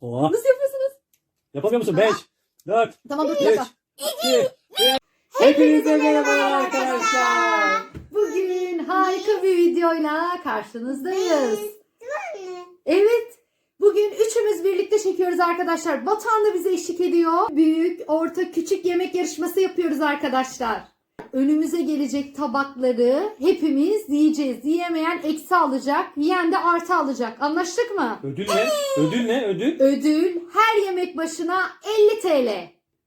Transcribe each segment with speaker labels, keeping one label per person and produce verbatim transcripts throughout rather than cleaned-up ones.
Speaker 1: Oha.
Speaker 2: Nasıl yapıyorsunuz?
Speaker 1: Yapamıyor musun? beş, dört,
Speaker 2: Tamam dur bir
Speaker 1: üç,
Speaker 2: dakika.
Speaker 1: iki, bir. Hepinize merhaba arkadaşlar.
Speaker 2: Bugün harika bir videoyla karşınızdayız. Evet. Bugün üçümüz birlikte çekiyoruz arkadaşlar. Batuhan da bize eşlik ediyor. Büyük, orta, küçük yemek yarışması yapıyoruz arkadaşlar. Önümüze gelecek tabakları hepimiz yiyeceğiz. Yiyemeyen eksi alacak, yiyen de artı alacak. Anlaştık mı?
Speaker 1: Ödül ne? Ödül ne? Ödül?
Speaker 2: Ödül her yemek başına elli TL.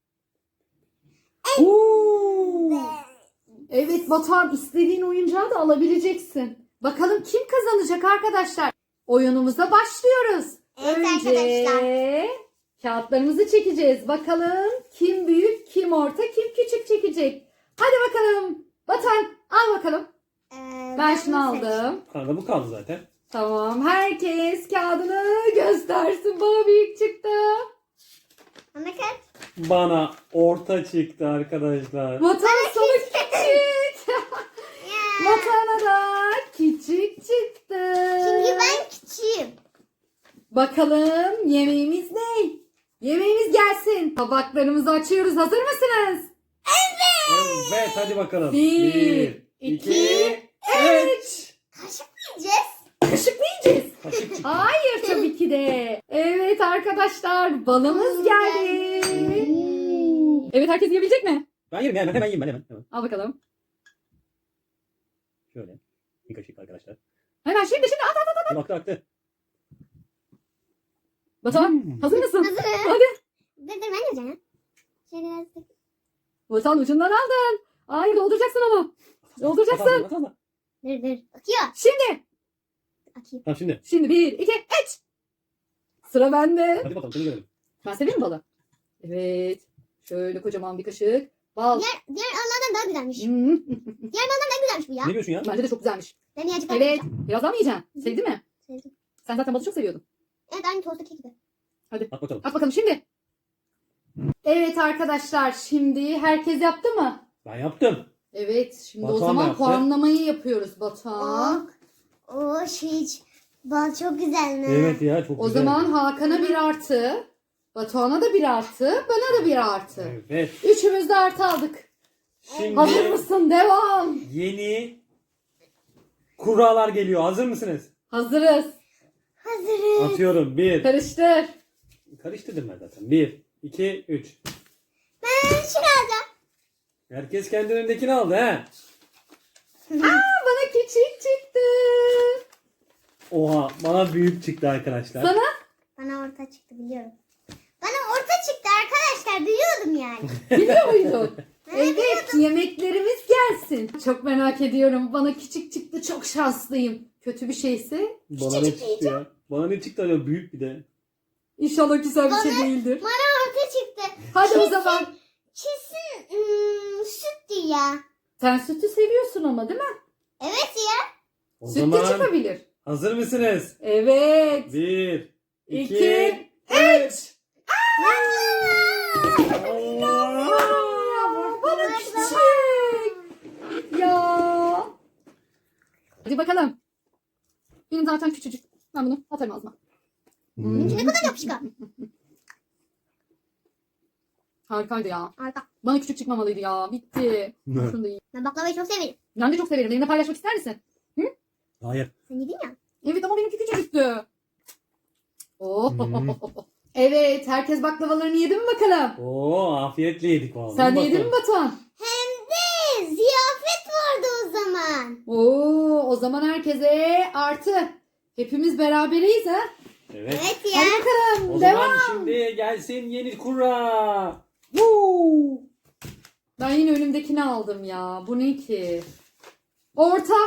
Speaker 1: Uuu.
Speaker 2: Evet Batuhan, istediğin oyuncağı da alabileceksin. Bakalım kim kazanacak arkadaşlar? Oyunumuza başlıyoruz.
Speaker 3: Evet
Speaker 2: Önce
Speaker 3: arkadaşlar.
Speaker 2: kağıtlarımızı çekeceğiz. Bakalım kim büyük, kim orta, kim küçük çekecek. Hadi bakalım. Batuhan al bakalım.
Speaker 3: Ee,
Speaker 2: Ben şunu
Speaker 3: bunu seç.
Speaker 2: aldım.
Speaker 1: Arada bu kaldı zaten.
Speaker 2: Tamam, herkes kağıdını göstersin. Bana büyük çıktı.
Speaker 3: Bana kaç?
Speaker 1: Bana orta çıktı arkadaşlar.
Speaker 2: Batuhan sana küçük.
Speaker 3: Ya.
Speaker 2: Batuhan'a da küçük çıktı.
Speaker 3: Çünkü ben küçüğüm.
Speaker 2: Bakalım yemeğimiz ne? Yemeğimiz gelsin. Tabaklarımızı açıyoruz. Hazır mısınız?
Speaker 1: Evet hadi bakalım.
Speaker 2: Bir, iki, üç.
Speaker 3: Kaşık mı yiyeceğiz?
Speaker 2: Kaşık mı yiyeceğiz?
Speaker 1: Kaşık çıktı.
Speaker 2: Hayır tabii ki de. Evet arkadaşlar, balımız geldi. Evet, herkes yiyebilecek mi?
Speaker 1: Ben yerim yani. Ben hemen yiyeyim ben hemen. hemen.
Speaker 2: Al bakalım.
Speaker 1: Şöyle. Bir kaşık arkadaşlar.
Speaker 2: Hemen şimdi şimdi at at at.
Speaker 1: Bir aktı aktı.
Speaker 2: Batuhan
Speaker 1: Hmm.
Speaker 2: hazır mısın?
Speaker 3: Hazırım.
Speaker 2: Hadi.
Speaker 3: Dur dur ben yiyeceğim ya. Şöyle biraz da.
Speaker 2: Batuhan ucundan aldın. Hayır, dolduracaksın onu. Dolduracaksın.
Speaker 1: At, at, at, at.
Speaker 3: Dur dur. Akıyor.
Speaker 2: Şimdi.
Speaker 3: Akıyor.
Speaker 1: Tamam şimdi.
Speaker 2: Şimdi bir, iki, üç. Sıra bende.
Speaker 1: Hadi bakalım seni görelim.
Speaker 2: Ben severim balı. Evet. Şöyle kocaman bir kaşık. Bal.
Speaker 3: Diğer, diğer Allah'dan daha güzelmiş.
Speaker 2: Hmm.
Speaker 3: Diğer Allah'dan daha güzelmiş bu ya.
Speaker 1: Ne diyorsun ya?
Speaker 2: Bence de çok güzelmiş.
Speaker 3: Ben yiyecek
Speaker 2: Evet. Biraz daha mı yiyeceksin? Sevdin mi?
Speaker 3: Sevdim.
Speaker 2: Sen zaten balı çok seviyordun.
Speaker 3: Evet aynı tostaki gibi.
Speaker 1: At bakalım.
Speaker 2: At bakalım şimdi. Evet arkadaşlar, şimdi herkes yaptı mı?
Speaker 1: Ben yaptım.
Speaker 2: Evet, şimdi
Speaker 1: Batuhan
Speaker 2: o
Speaker 1: da
Speaker 2: zaman
Speaker 1: yaptı.
Speaker 2: puanlamayı yapıyoruz Batuhan.
Speaker 3: Oh. Oh şey. Bal çok güzel mi?
Speaker 1: Evet ya çok
Speaker 2: O
Speaker 1: güzel.
Speaker 2: zaman Hakan'a bir artı, Batuhan'a da bir artı, bana da bir artı.
Speaker 1: Evet.
Speaker 2: Üçümüz de artı aldık.
Speaker 1: Şimdi
Speaker 2: Hazır mısın? Devam.
Speaker 1: yeni kurallar geliyor. Hazır mısınız?
Speaker 2: Hazırız.
Speaker 3: Hazırım.
Speaker 1: Atıyorum. Bir.
Speaker 2: Karıştır.
Speaker 1: Karıştırdım ben zaten. Bir, iki, üç.
Speaker 3: Ben şunu alacağım.
Speaker 1: Herkes kendi önündekini aldı he.
Speaker 2: Bana küçük çıktı.
Speaker 1: Oha bana büyük çıktı arkadaşlar.
Speaker 2: Sana?
Speaker 3: Bana orta çıktı biliyorum. Bana orta çıktı arkadaşlar. Biliyordum yani.
Speaker 2: Biliyor muydun?
Speaker 3: Ben
Speaker 2: Evet, yemeklerimiz gelsin. Çok merak ediyorum. Bana küçük çıktı, çok şanslıyım. Kötü bir şeyse
Speaker 1: Bana ne çıktı ya? Bana ne çıktı acaba büyük bir de.
Speaker 2: inşallah güzel bir şey
Speaker 3: Bana-
Speaker 2: değildir.
Speaker 3: Bana orta çıktı.
Speaker 2: Hadi o
Speaker 3: Kesin-
Speaker 2: zaman.
Speaker 3: Kesin ım, süttü ya.
Speaker 2: Sen sütü seviyorsun ama, değil mi?
Speaker 3: Evet ya.
Speaker 1: O
Speaker 2: Süt de
Speaker 1: zaman
Speaker 2: çıkabilir.
Speaker 1: hazır mısınız?
Speaker 2: Evet.
Speaker 1: Bir, iki,
Speaker 2: İki,
Speaker 1: üç.
Speaker 2: Ya, bana küçük. Ya. Hadi bakalım. Benim zaten küçücük. Ben bunu atarım ağzıma.
Speaker 3: Benimki ne kadar yapışkan.
Speaker 2: Harikaydı ya.
Speaker 3: Arka.
Speaker 2: Bana küçük çıkmamalıydı ya. Bitti.
Speaker 1: Ne?
Speaker 2: Şunu da yiyeyim.
Speaker 3: Ben baklavayı çok severim.
Speaker 2: Ben de çok severim. Benimle paylaşmak ister misin?
Speaker 1: Hayır.
Speaker 3: Sen yedin ya.
Speaker 2: Evet ama benimki küçücüktü. Oh.
Speaker 1: Hmm.
Speaker 2: Evet, herkes baklavalarını yedi mi bakalım?
Speaker 1: Oo afiyetle yedik vallahi.
Speaker 2: Sen de
Speaker 1: Bakın.
Speaker 2: yedin mi Batuhan?
Speaker 3: Hem de ziyafet vardı o zaman.
Speaker 2: Oo, o zaman herkese artı. Hepimiz beraberiz ha.
Speaker 1: Evet.
Speaker 3: Evet ya.
Speaker 2: Hadi bakalım.
Speaker 1: O
Speaker 2: Devam.
Speaker 1: zaman şimdi gelsin yeni kura.
Speaker 2: Woo! Ben yine önümdekini aldım ya. Bu ne ki? Orta.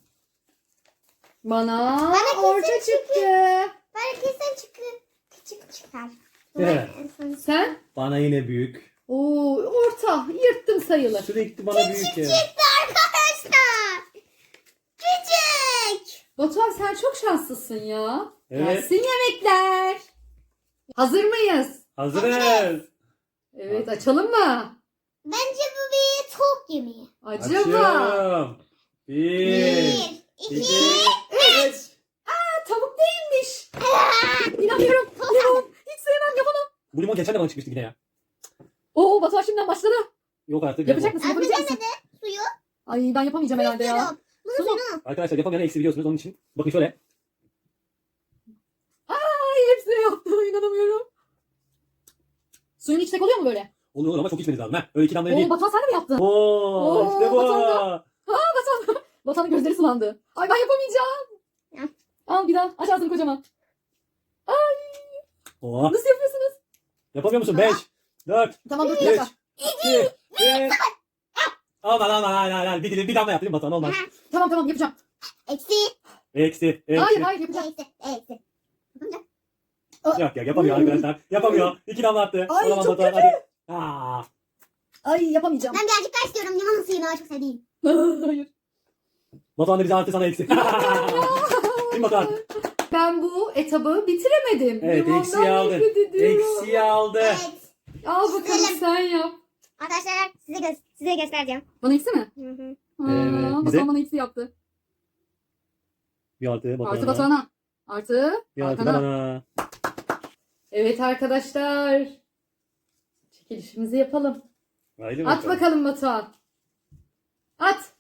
Speaker 2: Bana,
Speaker 3: Bana
Speaker 2: orta
Speaker 3: kesin
Speaker 2: çıktı.
Speaker 3: Belki sen çıkı. Küçük çıkar.
Speaker 1: Evet.
Speaker 3: En son-
Speaker 2: Sen?
Speaker 1: Bana yine büyük.
Speaker 2: Oo, orta. Yırttım sayılır.
Speaker 1: Sürekli bana büyük ya.
Speaker 3: Çıktı arkadaşlar. Küçük.
Speaker 2: Batuhan sen çok şanslısın ya.
Speaker 1: Evet.
Speaker 2: Gelsin yemekler. Hazır mıyız?
Speaker 1: Hazırız.
Speaker 2: Evet, açalım mı?
Speaker 3: Bence bu bir tavuk yemeği.
Speaker 2: Acaba.
Speaker 1: Açıyorum. Bir,
Speaker 3: Bir,
Speaker 1: iki,
Speaker 3: iki,
Speaker 1: üç.
Speaker 2: Aa, tavuk değilmiş. İnanmıyorum. Limon. Hiç
Speaker 1: Ama geçen de bana çıkmıştı yine ya.
Speaker 2: Oo Batuhan şimdiden başladı.
Speaker 1: Yok artık.
Speaker 2: Yapacak mısın?
Speaker 3: Abi
Speaker 2: Yapabilecek misin?
Speaker 3: bilemedi. Suyu.
Speaker 2: Ay ben yapamayacağım herhalde ya.
Speaker 3: Yok. Bunu
Speaker 2: Su mu?
Speaker 3: suyunu.
Speaker 1: Arkadaşlar yapamayan eksi biliyorsunuz onun için. Bakın şöyle.
Speaker 2: Ay hepsini yaptım. İnanamıyorum. Suyun içecek oluyor mu böyle?
Speaker 1: Oluyor ama çok içmeniz lazım. Ha. Öyle iki damlaya
Speaker 2: Oo
Speaker 1: değil.
Speaker 2: Batuhan sen de mi yaptın?
Speaker 1: Oo,
Speaker 2: Oo,
Speaker 1: işte bu.
Speaker 2: Batuhan'da. Batuhan. Batuhan'ın gözleri sulandı. Ay ben yapamayacağım.
Speaker 3: Ya.
Speaker 2: Al bir daha. Aç ağzını kocaman.
Speaker 1: Oha.
Speaker 2: Nasıl yapıyorsunuz?
Speaker 1: Yapamıyor musun? beş, dört,
Speaker 2: Tamam dur bir
Speaker 1: üç,
Speaker 2: dakika.
Speaker 1: iki, bir. Aman aman aman aman. Bir dilim bir damla yaptım Batuhan olmaz.
Speaker 2: Tamam tamam yapacağım.
Speaker 3: Eksi.
Speaker 1: Eksi. Eksi.
Speaker 2: Hayır hayır yapacağım.
Speaker 3: Eksi. Eksi.
Speaker 1: Yok ya yapamıyor arkadaşlar. Yapamıyor. İki damla attı.
Speaker 2: Ay,
Speaker 1: O zaman
Speaker 2: çok
Speaker 1: Batuhan
Speaker 2: kötü.
Speaker 1: hadi. Aa.
Speaker 2: Ay yapamayacağım.
Speaker 3: Ben birazcık daha istiyorum. Limonun suyunu o çok sevdiğim.
Speaker 2: Hayır.
Speaker 1: Batuhan da bize artı sana eksi. Kim Batuhan?
Speaker 2: Ben bu etabı bitiremedim.
Speaker 1: Evet
Speaker 2: Limondan
Speaker 1: eksiği aldın.
Speaker 2: nefret ediyorum.
Speaker 1: Eksiği aldı.
Speaker 3: Evet.
Speaker 2: Al bakalım
Speaker 3: Güzelim.
Speaker 2: sen yap.
Speaker 3: Arkadaşlar size gö size göstereceğim.
Speaker 2: Bana eksi mi?
Speaker 3: Hı hı.
Speaker 2: Aa,
Speaker 1: Evet, bize-
Speaker 2: Batuhan bana eksi yaptı.
Speaker 1: Bir altı Batuhan'a.
Speaker 2: Artı Batuhan'a. Artı
Speaker 1: Bir altı da
Speaker 2: Hakan'a.
Speaker 1: bana.
Speaker 2: Evet arkadaşlar. Çekilişimizi yapalım.
Speaker 1: Haydi
Speaker 2: At bakalım Batuhan. At.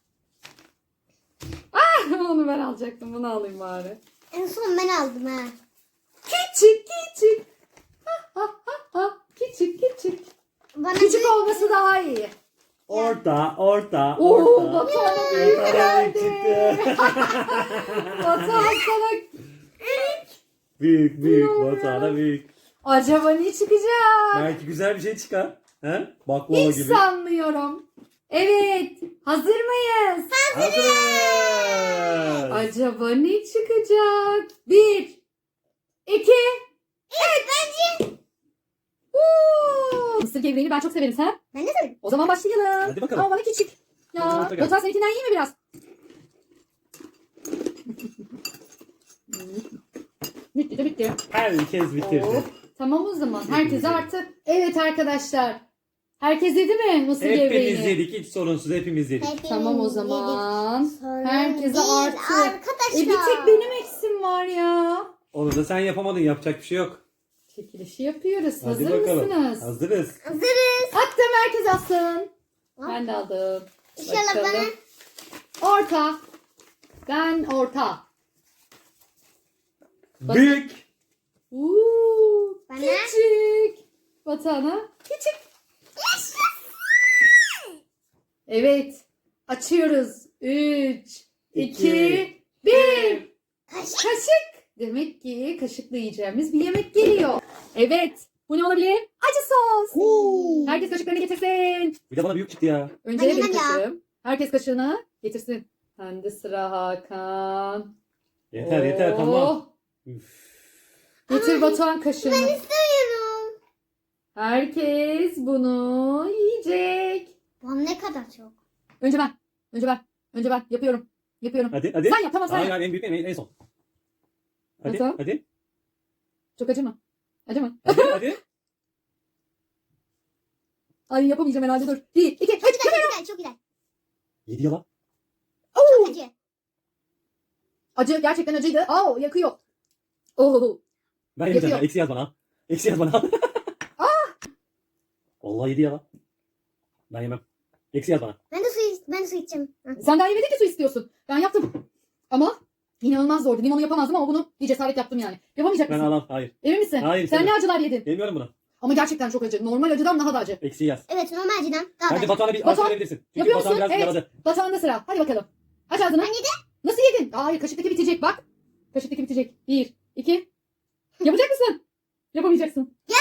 Speaker 2: Ah, onu ben alacaktım. Bunu alayım bari.
Speaker 3: En son ben aldım ha.
Speaker 2: Küçük küçük. Ha, ha, ha, ha. Küçük küçük.
Speaker 3: Bana
Speaker 2: Küçük
Speaker 3: büyük-
Speaker 2: olması daha iyi.
Speaker 1: Orta, orta,
Speaker 2: Oo
Speaker 1: orta.
Speaker 2: Batuhan'a büyük
Speaker 1: Batuhan'a
Speaker 2: geldi.
Speaker 1: çıktı.
Speaker 2: Batuhan sana
Speaker 1: Büyük, büyük.
Speaker 2: Ya.
Speaker 1: Batuhan'a büyük.
Speaker 2: acaba ne çıkacak?
Speaker 1: Belki güzel bir şey çıkar. He? Baklava
Speaker 2: Hiç
Speaker 1: gibi.
Speaker 2: sanmıyorum. Evet. Hazır mıyız?
Speaker 1: Hazırız.
Speaker 2: Acaba ne çıkacak? Bir. iki.
Speaker 3: Evet bence.
Speaker 2: Uuu. Mısır gevreğini ben çok severim sen.
Speaker 3: Ben de söyledim.
Speaker 2: O zaman başlayalım.
Speaker 1: Hadi bakalım.
Speaker 2: Ama bana küçük. Ya.
Speaker 1: Hadi bakalım.
Speaker 2: Batuhan seninkinden iyi mi biraz? Bitti de bitti.
Speaker 1: Herkes bitirdi.
Speaker 2: Oo, tamam o zaman. Herkese
Speaker 1: Hepimiz
Speaker 2: artı. Evet arkadaşlar. Herkes yedi mi mısır
Speaker 1: Hepimiz
Speaker 2: gevreğini?
Speaker 1: yedik. Hiç sorunsuz hepimiz yedik.
Speaker 3: Hepimiz
Speaker 2: Tamam o
Speaker 3: yedik.
Speaker 2: zaman.
Speaker 3: Sorun
Speaker 2: Herkese
Speaker 3: değil
Speaker 2: artı.
Speaker 3: Arkadaşlar.
Speaker 2: E bir tek benim eksim var ya.
Speaker 1: Onu da sen yapamadın. Yapacak bir şey yok.
Speaker 2: Çekilişi yapıyoruz.
Speaker 1: Hadi
Speaker 2: Hazır
Speaker 1: bakalım.
Speaker 2: mısınız?
Speaker 1: Hazırız.
Speaker 3: Hazırız.
Speaker 2: Attım herkes atsın.
Speaker 3: Hop.
Speaker 2: Ben de aldım.
Speaker 3: İnşallah
Speaker 2: Bakalım.
Speaker 3: bana.
Speaker 2: Orta. Ben orta. Bak-
Speaker 1: Büyük.
Speaker 2: Uuu.
Speaker 3: Bana.
Speaker 2: Küçük. Batuhan'a küçük. Evet. Açıyoruz. üç, iki,
Speaker 1: İki,
Speaker 2: bir.
Speaker 3: Kaşık.
Speaker 2: Kaşık. Demek ki kaşıkla yiyeceğimiz bir yemek geliyor. Evet. Bu ne olabilir? Acı sos.
Speaker 1: Oo.
Speaker 2: Herkes kaşıklarını getirsin.
Speaker 1: Bir de bana büyük çıktı ya.
Speaker 2: Önce
Speaker 3: Ben
Speaker 2: benim
Speaker 3: yemem ya.
Speaker 2: kaşığım. Herkes kaşığını getirsin. Bende sıra Hakan.
Speaker 1: Yeter yeter
Speaker 2: Oh.
Speaker 1: tamam. Üf.
Speaker 2: Getir
Speaker 3: Ay,
Speaker 2: Batuhan kaşığını.
Speaker 3: Ben istemiyorum.
Speaker 2: Herkes bunu yiyecek.
Speaker 3: Bu ne kadar çok.
Speaker 2: Önce ben. Önce ben. Önce ben. Yapıyorum. Yapıyorum.
Speaker 1: Hadi hadi.
Speaker 2: Sen yap tamam sen
Speaker 1: Hayır
Speaker 2: yap.
Speaker 1: hayır en büyük en, en son. Hadi
Speaker 2: Nasıl?
Speaker 1: hadi.
Speaker 2: Çok acı mı? Acı mı?
Speaker 1: Hadi hadi.
Speaker 2: Ay yapamayacağım herhalde dur. Bir, iki, üç.
Speaker 3: Çok güzel, çok güzel, çok güzel.
Speaker 1: Yedi yalan.
Speaker 3: Çok acı.
Speaker 2: Acı gerçekten acıydı. Aa yakıyor. Oo.
Speaker 1: Ben yemeyeceğim.
Speaker 2: Yapıyor.
Speaker 1: ya. Eksi yaz bana. Eksi yaz bana. Vallahi yedi yalan. Ben yemem. Eksi yaz bana.
Speaker 3: Ben de su, ben de su içeceğim. Hı.
Speaker 2: Sen daha yemedin ki su istiyorsun. Ben yaptım. Ama inanılmaz zordu. Limonu yapamazdım ama bunu bir cesaret yaptım yani. Yapamayacak
Speaker 1: Ben
Speaker 2: mısın?
Speaker 1: alam. Hayır.
Speaker 2: Emin misin?
Speaker 1: Hayır,
Speaker 2: Sen
Speaker 1: tabii.
Speaker 2: ne acılar yedin?
Speaker 1: Yemiyorum bunu.
Speaker 2: Ama gerçekten çok acı. Normal acıdan daha da acı.
Speaker 1: Eksi yaz.
Speaker 3: Evet normal acıdan daha da
Speaker 1: Bence
Speaker 3: acı.
Speaker 1: Batuhan'a bir
Speaker 2: Batuhan,
Speaker 1: Batuhan, verebilirsin. Çünkü
Speaker 2: yapıyor
Speaker 1: Batuhan
Speaker 2: musun?
Speaker 1: biraz
Speaker 2: Evet.
Speaker 1: yaladı.
Speaker 2: Batuhan'da sıra. Hadi bakalım. Aç ağzını.
Speaker 3: Ben yedim.
Speaker 2: Nasıl yedin? Hayır kaşıktaki bitecek bak. Kaşıktaki bitecek. Bir, iki. Yapacak mısın? Yapamayacaksın.
Speaker 3: Gel.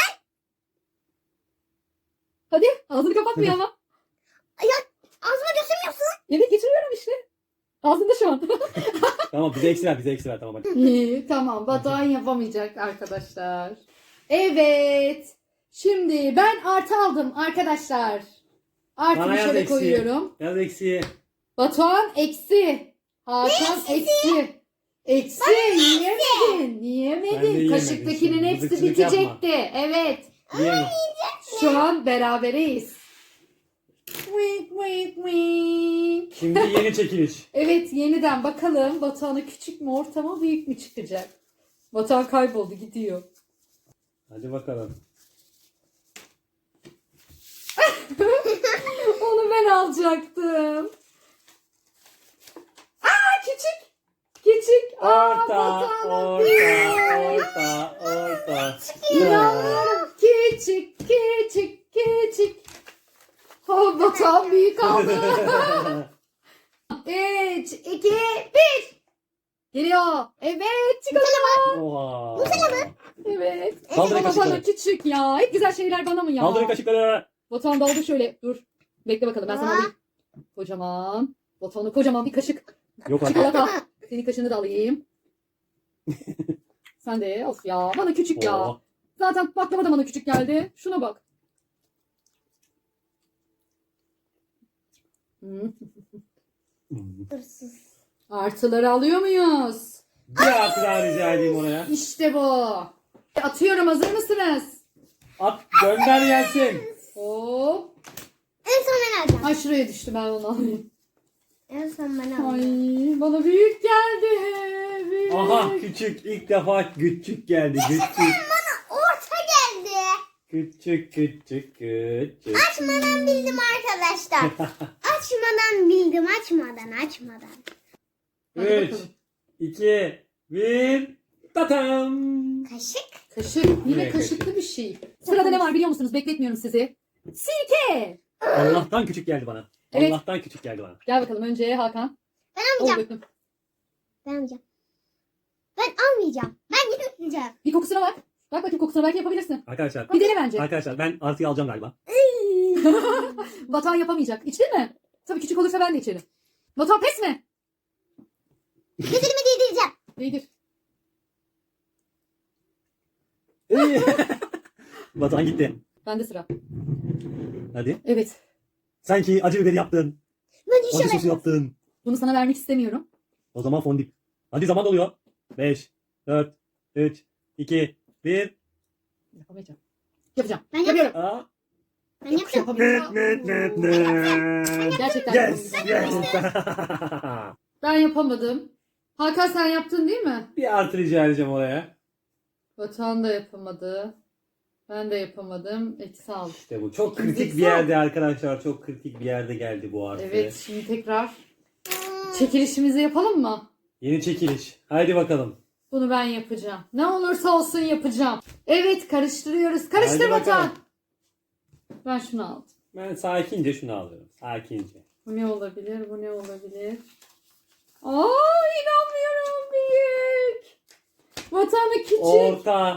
Speaker 2: Hadi ağzını kapatmıyor ama.
Speaker 3: Ağzıma götürmüyorsun.
Speaker 2: Evet getiriyorum işte. Ağzında şu an.
Speaker 1: Tamam bize eksi ver bize eksi ver tamam hadi.
Speaker 2: İyi tamam Batuhan yapamayacak arkadaşlar. Evet. Şimdi ben artı aldım arkadaşlar. Artı
Speaker 1: Bana
Speaker 2: bir
Speaker 1: yaz
Speaker 2: şöyle
Speaker 1: eksiği.
Speaker 2: koyuyorum.
Speaker 1: Yaz eksiği.
Speaker 2: Batuhan eksi. Hakan eksi. Eksi yiyemedin.
Speaker 1: Ben de
Speaker 2: Yiyemedin.
Speaker 1: yiyemedim.
Speaker 2: Kaşıktakinin
Speaker 1: Şimdi
Speaker 2: hepsi
Speaker 1: mızıkçılık
Speaker 2: bitecekti. Evet.
Speaker 1: Yiyemem.
Speaker 2: Şu an berabereyiz. Wink wink wink.
Speaker 1: Şimdi yeni çekiliş.
Speaker 2: Evet yeniden bakalım Batuhan'a küçük mü orta mı büyük mü çıkacak? Batuhan kayboldu gidiyor.
Speaker 1: Hadi bakalım.
Speaker 2: ben alacaktım. Aa küçük. Küçük. Aa,
Speaker 1: Orta,
Speaker 2: Batuhan'ın
Speaker 1: orta,
Speaker 2: büyük.
Speaker 1: orta, orta.
Speaker 2: İnanmıyorum. Küçük, küçük, küçük. Oh, Batuhan büyük aldı. Üç, iki, bir. Geliyor. Evet, çikolata.
Speaker 1: Oha.
Speaker 2: Evet.
Speaker 1: Kaldırın
Speaker 2: Ama
Speaker 1: kaşıkları.
Speaker 2: bana küçük ya. Hep güzel şeyler bana mı ya?
Speaker 1: Kaldırın kaşıkları.
Speaker 2: Batuhan daldı şöyle. Dur. Bekle bakalım ben sana
Speaker 3: Aa.
Speaker 2: alayım. Kocaman. Batuhan'a kocaman bir kaşık.
Speaker 1: Yok artık.
Speaker 2: Çikolata. Senin kaşığını da alayım. Sen de of ya. Bana küçük ya.
Speaker 1: Oo.
Speaker 2: Zaten baklava da bana küçük geldi. Şuna bak. Hmm.
Speaker 3: Hırsız.
Speaker 2: Artıları alıyor muyuz?
Speaker 1: Bir artı daha rica edeyim oraya.
Speaker 2: İşte bu. Atıyorum, hazır mısınız?
Speaker 1: At gönder gelsin.
Speaker 2: Hop.
Speaker 3: En son ben alacağım.
Speaker 2: Ay şuraya düştü, ben onu alayım.
Speaker 3: En son ben
Speaker 2: Ay
Speaker 3: alacağım.
Speaker 2: bana büyük geldi. Büyük.
Speaker 1: Aha küçük ilk defa küçük geldi. Küçük.
Speaker 3: Orta geldi.
Speaker 1: Küçük küçük küçük.
Speaker 3: Açmadan bildim arkadaşlar. Açmadan bildim. Açmadan açmadan.
Speaker 2: Hadi
Speaker 1: üç,
Speaker 2: bakalım.
Speaker 1: iki, bir. Tatam.
Speaker 3: Kaşık.
Speaker 2: Kaşık. Yine
Speaker 1: Yine
Speaker 2: kaşıklı
Speaker 1: kaşık.
Speaker 2: bir şey. Sırada ne var biliyor musunuz? Bekletmiyorum sizi. Sirke.
Speaker 1: Allah'tan küçük geldi bana.
Speaker 2: Evet.
Speaker 1: Allah'tan küçük geldi bana.
Speaker 2: Gel bakalım önce Hakan.
Speaker 3: Ben
Speaker 2: Ol
Speaker 3: almayacağım.
Speaker 2: döktüm.
Speaker 3: Ben almayacağım. Ben almayacağım. Ben gitmeyeceğim.
Speaker 2: Bir kokusuna bak. Bak bakayım kokusuna, belki yapabilirsin.
Speaker 1: Arkadaşlar.
Speaker 2: Bir dene bence.
Speaker 1: Arkadaşlar ben artıyı alacağım galiba.
Speaker 2: Batuhan yapamayacak. İçtin mi? Tabii küçük olursa ben de içerim. Batuhan pes mi?
Speaker 3: Gözümü değdireceğim.
Speaker 2: Değdir.
Speaker 1: Batuhan gitti.
Speaker 2: Bende sıra.
Speaker 1: Hadi.
Speaker 2: Evet.
Speaker 1: Sanki acı biberi yaptın.
Speaker 3: Ben
Speaker 1: Acı sosu
Speaker 3: inşallah.
Speaker 1: yaptın.
Speaker 2: Bunu sana vermek istemiyorum.
Speaker 1: O zaman fondip. Hadi zaman doluyor. beş, dört, üç, iki, bir.
Speaker 2: Yapamayacağım. Yapacağım.
Speaker 3: Ben yap-
Speaker 2: Yapıyorum.
Speaker 1: Aa.
Speaker 3: Ben yapacağım.
Speaker 2: Yapamıyorum.
Speaker 1: Net net net.
Speaker 2: Gerçekten
Speaker 1: Yes,
Speaker 2: yapamayacağım.
Speaker 1: yes.
Speaker 2: Ben yapamadım. Hakan sen yaptın değil mi?
Speaker 1: Bir artı rica edeceğim oraya.
Speaker 2: Batuhan da yapamadı. Ben de yapamadım. Eksi aldım.
Speaker 1: İşte bu çok
Speaker 2: İkimiz
Speaker 1: kritik bir
Speaker 2: eksi
Speaker 1: yerde arkadaşlar. Çok kritik bir yerde geldi bu artı.
Speaker 2: Evet, şimdi tekrar çekilişimizi yapalım mı?
Speaker 1: Yeni çekiliş. Haydi bakalım.
Speaker 2: Bunu ben yapacağım. Ne olursa olsun yapacağım. Evet, karıştırıyoruz. Karıştır
Speaker 1: Hadi
Speaker 2: Batuhan.
Speaker 1: bakalım.
Speaker 2: Ben şunu aldım.
Speaker 1: Ben sakince şunu alıyorum. Sakince.
Speaker 2: Bu ne olabilir? Bu ne olabilir? Aa, inanmıyorum, büyük. Batuhan'ı küçük.
Speaker 1: Orta.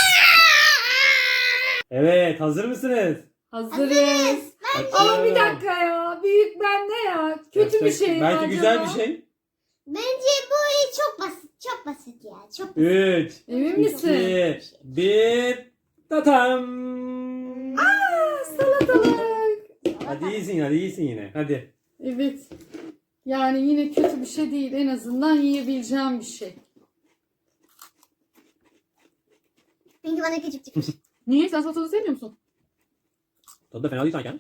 Speaker 1: Evet, hazır mısınız?
Speaker 2: Hazırız. Ama bir dakika ya. Büyük bende ya. Kötü bir şey mi
Speaker 1: Belki
Speaker 2: acaba?
Speaker 1: güzel bir şey.
Speaker 3: Bence bu çok basit. Çok basit ya. Çok basit.
Speaker 1: üç,
Speaker 2: Emin misin?
Speaker 1: iki, bir. Tatam.
Speaker 2: Salatalık.
Speaker 1: Hadi iyisin, hadi iyisin yine. Hadi.
Speaker 2: Evet. Yani yine kötü bir şey değil. En azından yiyebileceğim bir şey.
Speaker 3: Çünkü bana küçük çıkmış.
Speaker 2: Niye? Sen salatalığı sevmiyor musun?
Speaker 1: Tadı da fena değil sanki.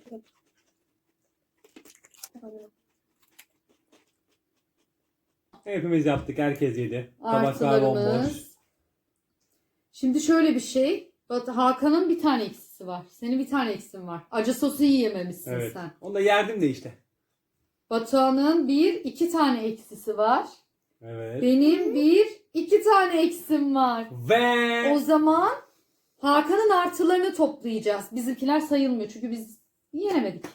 Speaker 1: Hepimiz yaptık, herkes yedi. Tabaklar bomboş.
Speaker 2: Artılarımız. Şimdi şöyle bir şey. Bak, Hakan'ın bir tane eksisi var. Senin bir tane eksin var. Acı sosu yiyememişsin
Speaker 1: Evet.
Speaker 2: sen.
Speaker 1: Onu da yerdim de işte.
Speaker 2: Batuhan'ın bir, iki tane eksisi var.
Speaker 1: Evet.
Speaker 2: Benim bir, iki tane eksim var.
Speaker 1: Ve
Speaker 2: O zaman Hakan'ın artılarını toplayacağız. Bizimkiler sayılmıyor çünkü biz yenemedik.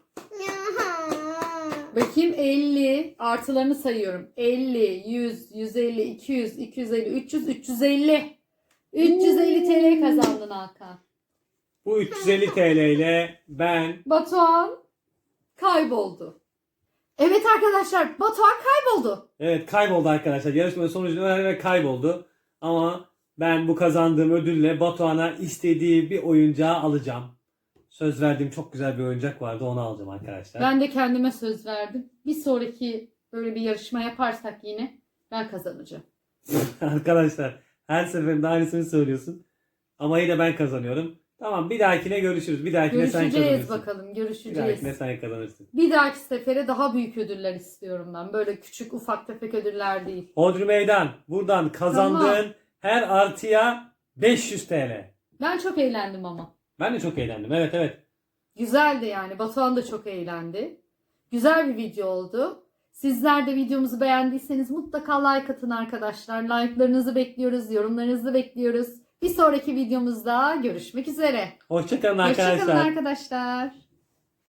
Speaker 2: Bakayım, elli artılarını sayıyorum. elli, yüz, yüz elli, iki yüz, iki yüz elli, üç yüz, üç yüz elli. üç yüz elli T L kazandın Hakan.
Speaker 1: bu üç yüz elli T L ile ben
Speaker 2: Batuhan kayboldu. Evet arkadaşlar, Batuhan kayboldu.
Speaker 1: evet kayboldu arkadaşlar. Yarışmanın sonucunu öğrenerek kayboldu. Ama ben bu kazandığım ödülle Batuhan'a istediği bir oyuncağı alacağım. Söz verdiğim çok güzel bir oyuncak vardı, onu alacağım arkadaşlar.
Speaker 2: Ben de kendime söz verdim. Bir sonraki böyle bir yarışma yaparsak yine ben kazanacağım.
Speaker 1: Arkadaşlar her seferinde aynısını söylüyorsun. Ama yine ben kazanıyorum. Tamam, bir dahakine görüşürüz. Bir dahakine sen
Speaker 2: Görüşeceğiz
Speaker 1: kazanırsın.
Speaker 2: bakalım,
Speaker 1: Bir
Speaker 2: görüşeceğiz.
Speaker 1: dahakine sen kazanırsın.
Speaker 2: Bir dahaki sefere daha büyük ödüller istiyorum ben. Böyle küçük ufak tefek ödüller değil.
Speaker 1: Hodri Meydan, buradan kazandığın
Speaker 2: Tamam.
Speaker 1: her artıya beş yüz T L.
Speaker 2: Ben çok eğlendim ama.
Speaker 1: Ben de çok eğlendim. Evet evet.
Speaker 2: Güzeldi yani. Batuhan da çok eğlendi. Güzel bir video oldu. Sizler de videomuzu beğendiyseniz mutlaka like atın arkadaşlar. Like'larınızı bekliyoruz, yorumlarınızı bekliyoruz. Bir sonraki videomuzda görüşmek üzere.
Speaker 1: Hoşçakalın arkadaşlar.
Speaker 2: Hoşçakalın arkadaşlar.